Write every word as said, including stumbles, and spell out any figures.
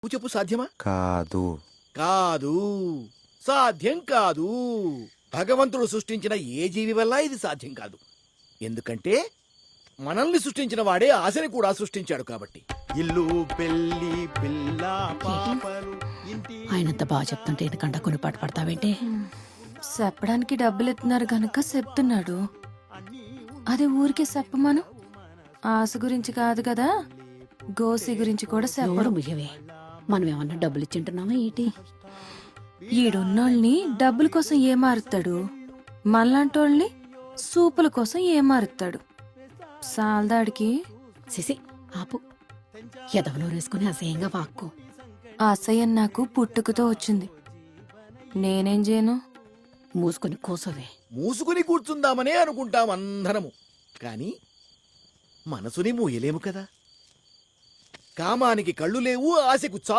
నువ్వు చెప్పు, సాధ్యమా? కాదు. కాదు, సాధ్యం కాదు. భగవంతుడు సృష్టించిన ఏ జీవి వల్ల ఇది సాధ్యం కాదు. ఎందుకంటే మనల్ని సృష్టించిన వాడే ఆశని కూడా సృష్టించాడు కాబట్టి. ఇల్లు పెళ్లి పిల్ల పాపలు ఇంటి ఆయనంత బాగా చెప్తుంటే ఎందుకంట కొన్ని పాట పడతావేంటి? చెప్పడానికి డబ్బులు ఎత్తున్నారు గనక చెప్తున్నాడు. అదే ఊరికే చెప్పమను. ఆశ గురించి కాదు కదా, గోసి గురించి కూడా నోరు చెప్పడు. ముయ్యవే. మనం ఏమన్నా డబ్బులు ఇచ్చింటున్నామా ఏంటి? ఈడున్నోళ్ళని డబ్బుల కోసం ఏమారుతాడు, మళ్ళాంటోళ్ళని సూపుల కోసం ఏమారుతాడు. సాల్దాడికి సిసి ఆపు. ఎదవనోరు వేసుకుని అసహ్యంగా వాక్కు. ఆ అసహ్యం నాకు పుట్టుకతో వచ్చింది. నేనేం చేయను? మూసుకొని కూసోవే. మూసుకుని కూర్చుందామనే అనుకుంటాం అందరము, కాని మనసుని మూయలేము కదా. కామానికి కళ్ళు లేవు, ఆశకు చా